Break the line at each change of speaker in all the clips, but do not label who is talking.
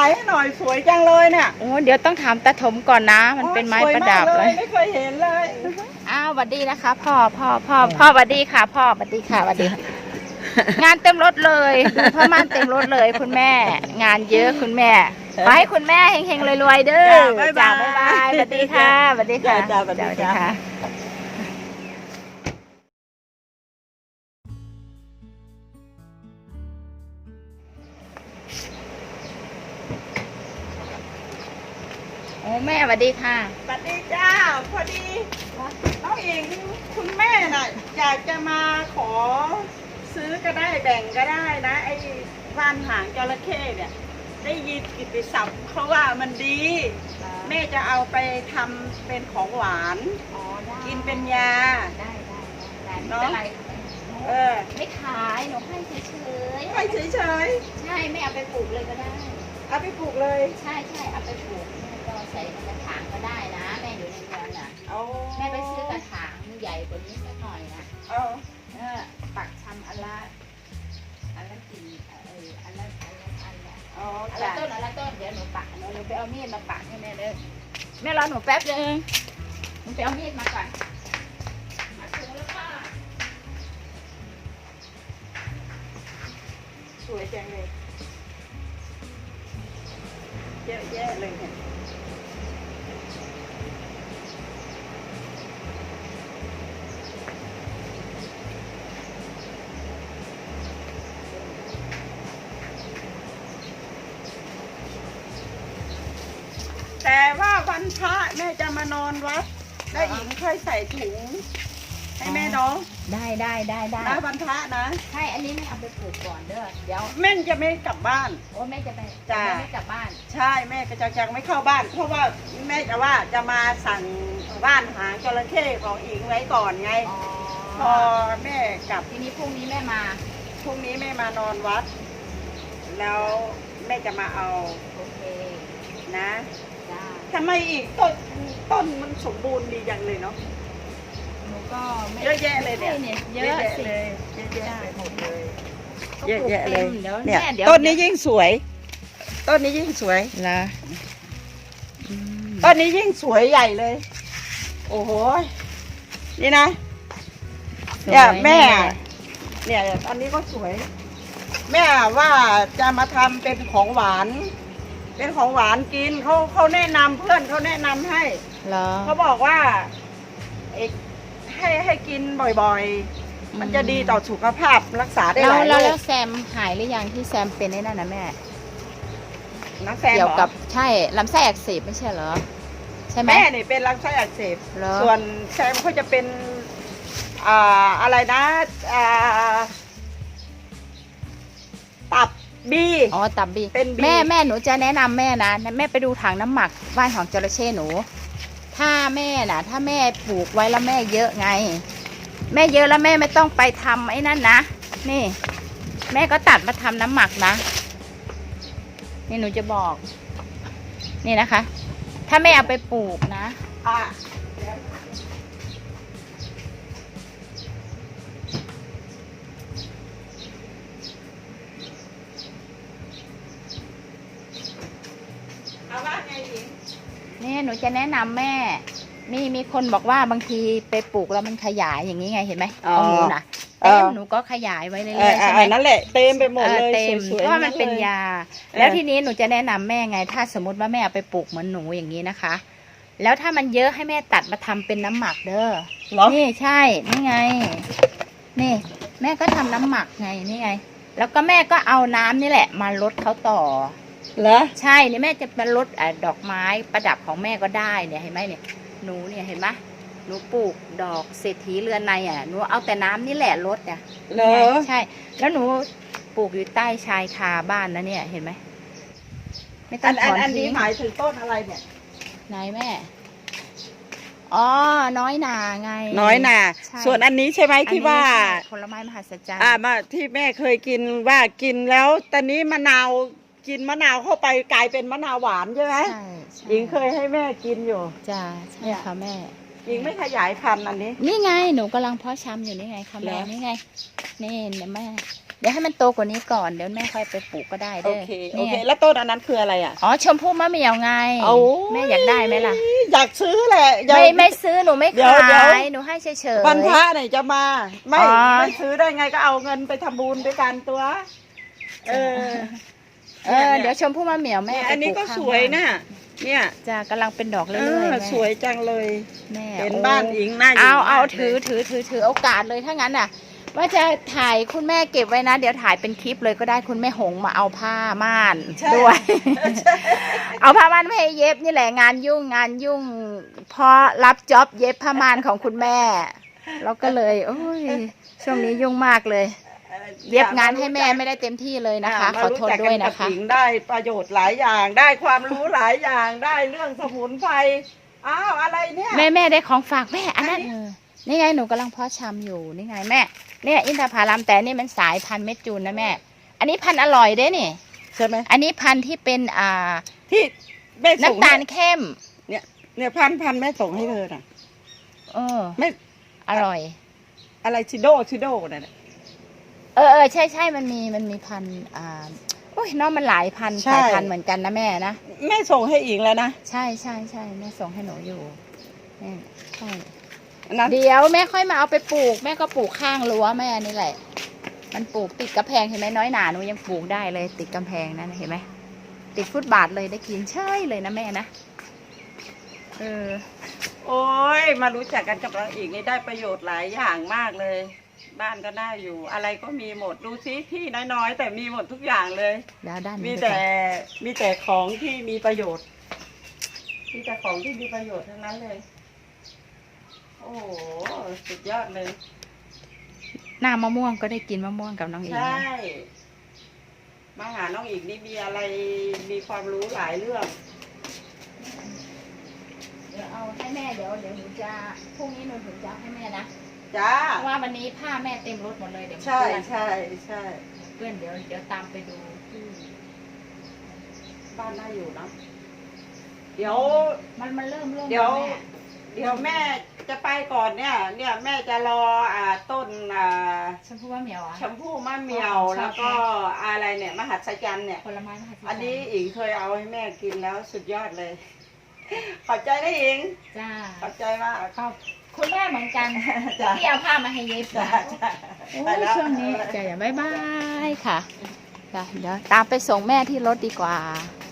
ให้หน่อยสวยจังเลยเนี่ย
โอ้เดี๋ยวต้องถามตาถมก่อนนะมันเป็นไม้ประดับเลย
ไม่เคยเห็นเลย
อ้าวสวัสดีนะคะพ่อสวัสดีค่ะพ่อสวัสดีค่ะสวัสดีงานเต็มรถเลยดูผ้าม่านเต็มรถเลยคุณแม่งานเยอะคุณแม่ขอให้คุณแม่เฮงๆรวยๆเด้อจ้าบ๊ายบายสวัสดีค่ะสวัสดีค่ะ
จ้าสวัสดีค่ะ
โอ้แม่สวัสดีค่ะ
สวัสดีจ้าพอดีน้องเองคุณแม่น่ะอยากจะมาขอซื้อก็ได้แบ่งก็ได้นะไอ้ว่านหางจระเข้เนี่ยได้ยินกิตติศัพท์เขาว่ามันดีแม่จะเอาไปทำเป็นของหวานกินเป็นยา
ได้
เนาะ
ไม่ขายหนูให้เฉย
ให้เฉย
ใช่ไม่เอาไปปลูกเลยก็ได้
เอาไปปลูกเลย
ใช่เอาไปปลูกแม่ก็ใส่ในกระถางก็ได้นะแม่อยู่ในเมืองน่ะแม่ไปซื้อกระถางใหญ่กว่านี้สักหน่อยนะปักชำอันละกี่อันละต้นเดี๋ยวหนูปักหนูไปเอามีดมาปักให้แม่เลยแม่รอหนูแป๊บนึงหนูไปเอามีดมาก่อนมาถึงแล้วค่ะ
สวยจังเลยเยอะแยะเลยเนี่ยแต่ว่าวันพระแม่จะมานอนวัดแล้วหญิงค่อยใส่ถุงให้แม่น้อง
ได้
นะวันพระนะ
ใช่อันนี้แม่เอาไปปลูกก่อนเด้อเดี๋ยว
แม่จะไม่กลับบ้าน
โอ้แม่จะไปไม่กลับบ้าน
ใช่แม่ก็จะไม่เข้าบ้านเพราะว่าแม่จะว่าจะมาสั่งบ้านหางจระเข้ของอิงไว้ก่อนไงพอแม่กลับ
ทีนี้พรุ่งนี้แม่มา
พรุ่งนี้แม่มานอนวัดแล้วแม่จะมาเอา
โอเค
นะทำไมอีกต้นมันสมบูรณ์ดีจังเลยเนาะ
หนูก็
เยอะแยะเลยเนี่ย
เยอะ
เลยเยอะแยะไปหมดเลยเยอะแยะเลย
เนี่ย
ต้นนี้ยิ่งสวยต้นนี้ยิ่งสวย
นะ
ต้นนี้ยิ่งสวยใหญ่เลยโอ้โหนี่นะเนี่ยแม่เนี่ยอันนี้ก็สวยแม่ว่าจะมาทำเป็นของหวานเป็นของหวานกินเขาแนะนำเพื่อนเขาแนะนำให้เขาบอกว่าให้กินบ่อยๆมันจะดีต่อสุขภาพรักษาได้หลายโรค
แล้วแซมหายหรือยังที่แซมเป็นไอ้นั่นนะแม่
น้ำแซม
เกี่ยวกับใช่ลำไส้อักเสบไม่ใช่เหรอใช่ไหม
แม่เนี่ยเป็นลำไส้อักเสบส่วนแซมเขาจะเป็นอะไรนะตับบี
ตับบี
เป็น
แม่หนูจะแนะนำแม่นะแม่ไปดูถังน้ำหมักว่านของจระเข้หนูถ้าแม่ปลูกไว้แล้วแม่เยอะไงแม่เยอะแล้วแม่ไม่ต้องไปทำไอ้นั่นนะนี่แม่ก็ตัดมาทำน้ำหมักนะนี่หนูจะบอกนี่นะคะถ้าแม่เอาไปปลูกนะนี่หนูจะแนะนำแม่มีคนบอกว่าบางทีไปปลูกแล้วมันขยายอย่างนี้ไงเห็นไหมของหนูนะเต็มหนูก็ขยายไว้เรื่อยๆใช่ไหม
นั่นแหละเต็มไปหมดเลย
เต็มเพราะมันเป็นยาแล้วทีนี้หนูจะแนะนำแม่ไงถ้าสมมติว่าแม่เอาไปปลูกเหมือนหนูอย่างนี้นะคะแล้วถ้ามันเยอะให้แม่ตัดมาทำเป็นน้ำหมักเด้อนี่ใช่นี่ไงนี่แม่ก็ทำน้ำหมักไงนี่ไงแล้วก็แม่ก็เอาน้ำนี่แหละมาลดเขาต่อ
เหรอ
ใช่เนี่ยแม่จะมาลดดอกไม้ประดับของแม่ก็ได้เนี่ยเห็นไหมเนี่ยหนูเนี่ยเห็นไหมหนูปลูกดอกเศรษฐีเรือนในหนูเอาแต่น้ำนี่แหละลดเนี่ยใช่แล้วหนูปลูกอยู่ใต้ชายคาบ้านนะเนี่ยเห็นไหมไม่ต้องถอน
อันนี้หมายถึงต้นอะไรเนี่ย
ไหนแม่อ๋อน้อยนาไง
น้อยนาส่วนอันนี้ใช่ไหมที่ว่า
ผลไม้มหัศจรรย์
มาที่แม่เคยกินว่ากินแล้วตอนนี้มะนาวกินมะนาวเข้าไปกลายเป็นมะนาวหวานใช่ไหม
ใช่
หญิงเคยให้แม่กินอยู่
จ้าใช่ค่ะแม่
หญิงไม่ขยายพันธุ์อันนี้
นี่ไงหนูกำลังเพาะชำอยู่นี่ไงค่ะแม่นี่ไงนี่เนี่ยแม่เดี๋ยวให้มันโตกว่านี้ก่อนเดี๋ยวแม่ค่อยไปปลูกก็ได้
โอ
เด้อ
เคโอ
นี่
เค
ไง
แล้วต้นอันนั้นคืออะไรอ่ะ
อ๋อชมพู่มะเหมี่ยวไง
เอา
แม่อยากได้ไหมล่ะ
อยากซื้อแหละอยาก
ไม่ซื้อหนูไม่
เดี๋ยว
ขาย
เดี๋ยว
หนูให้เฉยๆ
วันพระไหนจะมาไม่
อ๋อ
ไม่ซื้อได้ไงก็เอาเงินไปทำบุญด้วยกันตัว เออ
เดี๋ยวชมพู่มะเหมี่ยวแม่
เนี่ย
ไป
อันนี้
ปลู
ก็
ข้าง
สวย
บ้า
นะเนี่ย
จะกำลังเป็นดอกเรื่
เอ
อย
อ
ๆแม่
สวยจังเลย
แม่
เห็น
โอ้
บ้านอิงน่าอยู่
เอา
มก
ถือ
เลย
ถือโอกาสเลยถ้างั้นน่ะ ว่าจะถ่ายคุณแม่เก็บไว้นะ เดี๋ยวถ่ายเป็นคลิปเลยก็ได้คุณแม่หงมาเอาผ้าม่าน
ใช่
ด้วย
ใช่
เอาผ้าม่านไม่ให้เย็บนี่แหละงานยุ่งเพราะรับจ็อบเย็บผ้าม่านของคุณแม่แล้วก็เลยโอ้ยช่วงนี้ยุ่งมากเลย เย็บงานให้แม่ไม่ได้เต็มที่เลยนะคะ ขอโทษด้วยนะคะ
มารู้จักกักับหญิงได้ประโยชน์หลายอย่างได้ความรู้หลายอย่างได้เรื่องสมุนไพรอ้าวอะไรเนี่ย
แม่ได้ของฝากแม่อันนั้น
อันนี้
นี่ไงหนูกำลังเพาะชำอยู่นี่ไงแม่เนี่ยอินทผลัมแต่นี่มันสายพันธุ์เม็ดจูนนะแม่ อันนี้พันธุ์อร่อยเด้นี่
ใช่ไหม
อันนี้พันธุ์ที่เป็น
ที่แม่ส่ง
น้ำตาลเข้ม
เนี่ยพันแม่ส่งให้เธอน่ะ
เออ
ไม่
อร่อย
อะไรชิโดนั่นน่ะ
ใช่มันมีพันธุ์โอ้ยน้องมันหลายพันธุ์
ใช่
สายพันธุ์เหมือนกันนะแม่นะ
แม่ส่งให้อิงแล้วนะ
ใช่แม่ส่งให้หนูอยู่นี่ใช่
อันนั้น
เดี๋ยวแม่ค่อยมาเอาไปปลูกแม่ก็ปลูกข้างรั้วแม่นี่แหละ มันปลูกติดกระแพงเห็นไหมน้อยหนาหนูยังปลูกได้เลย ติดกำแพงนั่นเห็นไหมติดฟุตบาทเลยได้กินใช่เลยนะแม่นะ
โอ้ยมารู้จักกันกับเราอีกนี่ได้ประโยชน์หลายอย่างมากเลย บ้านก็น่าอยู่ อะไรก็มีหมดดูซิที่น้อยๆแต่มีหมดทุกอย่างเลย
แล้วด้าน
มี
นี้
แต่ของที่มีประโยชน์มีแต่ของที่มีประโยชน์ทั้งนั้นเลย โอ้โหสุดยอดเลย
หน้ามะม่วงก็ได้กินมะม่วงกับน้องอิง
ใช่ มาหาน้องอีกนี่มีอะไรมีความรู้หลายเรื่อง
เดี๋ยวเอาให้แม่เดี๋ยวหนูจะพรุ่งนี้หนูถึงจะเอาให้แม่นะ
จ้า
เพราะว่าวันนี้ผ้าแม่เต็มรถหมดเลยเดี๋ยว
ใช่
เปื้อน
ใช่
เพื่อนเดี๋ยวตามไปดูที่
บ้านน่าอยู่เนาะเดี๋ยว
มันเริ่ม
เดี๋ยว
แม่
เดี๋ยวแม่จะไปก่อนเนี่ยแม่จะรอต้น
ชมพู่มะเหมียวอ่ะ
ชมพู่มะเหมียวแล้วก็อะไรเนี่ยมหัศจรรย์เนี่ย
ผลไม้มหัศจรรย์
อันนี้อิงเคยเอาให้แม่กินแล้วสุดยอดเลย ขอบใจนะอิง
จ้า
ขอบใจมาก
ขอบคุณแม่เหมือนกัน
จ้ะ
ที่เอาผ้ามาให้เย็บ
จ้า
จ้ะ
จ้า
โอ้
ไป
ย
แล้ว
ช่วงนี้จะอย่าบ๊ายบายค่ะจ้ะเดี๋ยวตามไปส่งแม่ที่รถดีกว่า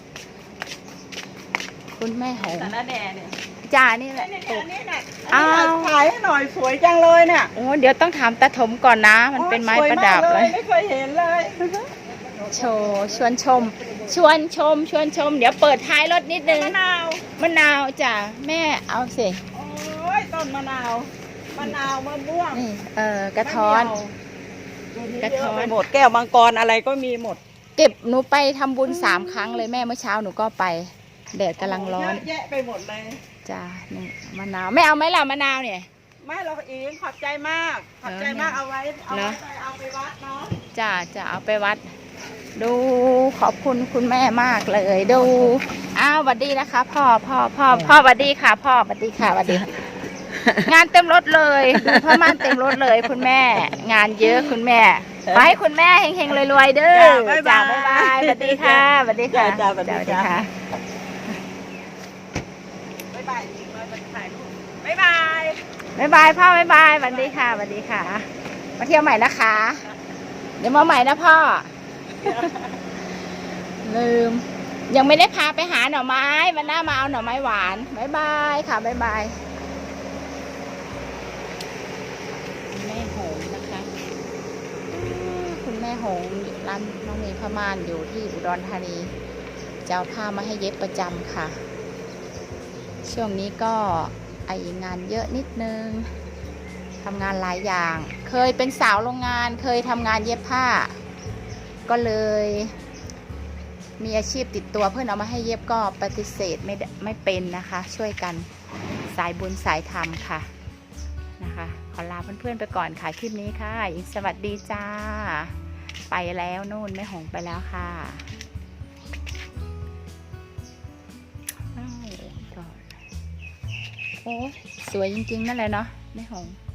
คุณแม่หง
แต่ละแน่เนี่ย
จ้านี่แหละ
เนี่ยนี่น่ะ
อ้าว
ถ่ายให้หน่อยสวยจังเลยเนี่ย
โอ้เดี๋ยวต้องถามตาถมก่อนนะ มันเป็นไม้ประดับ
สว
เลย
ไม่เคยเห็นเลย
โชว์ชวนชม เดี๋ยวเปิดท้ายรถนิดนึง
มะนาว
มะนาวจ้ะแม่เอาสิ
โอ้ยต้นมะนาวมะม่วง
นี่กระท้อน
กระท้อนหมดแก้วมังกรอะไรก็มีหมด
เก็บหนูไปทำบุญ3 ครั้งเลยแม่เมื่อเช้าหนูก็ไปแดดกำลังร้อน
เยอะแยะไปหมดเลย
จ้ะนี่มะนาวไม่เอาไหมล่ะมะนาวเนี่ย
ไม่เราเองขอบใจมากขอบใจมากเอาไว้เอาไปวัดเนาะ
จะเอาไปวัด ดูขอบคุณคุณแม่มากเลยดูอ้าวสวัสดีนะคะ พ่อสวัสดีค่ะพ่อสวัสดีค่ะสวัสดี งานเต็มรถเลยดูพ่อม่านเต็มรถเลยคุณแม่ งานเยอะคุณแม่ขอให้คุณแม่เฮงๆรวยๆเด้อจ้าบ๊ายบายสวัสดีค่ะสวัสดีค่ะ
จ้าสวัสดีค่ะ
บ๊ายบาย
บ๊ายบายอีกเลยมันถ่ายรูปบ๊ายบาย
บ๊ายบายพ่อบ๊ายบายสวัสดีค่ะสวัสดีค่ะ มาเที่ยวใหม่นะคะ เดี๋ยวมาใหม่นะพ่อ ลืม ยังไม่ได้พาไปหาหน่อไม้วันหน้ามาเอาหน่อไม้หวานบ๊ายบายค่ะบ๊ายบายคุณแม่หงนะคะคุณแม่หงร้านน้องเมย์พม่านอยู่ที่อุดรธานีจะเอาผ้ามาให้เย็บประจำค่ะ ช่วงนี้ก็งานเยอะนิดนึงทำงานหลายอย่าง เคยเป็นสาวโรงงานเคยทำงานเย็บผ้า ก็เลยมีอาชีพติดตัวเพื่อนเอามาให้เย็บก็ปฏิเสธไม่เป็นนะคะ ช่วยกันสายบุญสายธรรมค่ะนะคะขอลาเพื่อนๆไปก่อนค่ะคลิปนี้ค่ะอิงสวัสดีจ้าไปแล้วนู่นแม่หงไปแล้วค่ะโอ้สวยจริงๆนั่นแหละเนาะแม่หง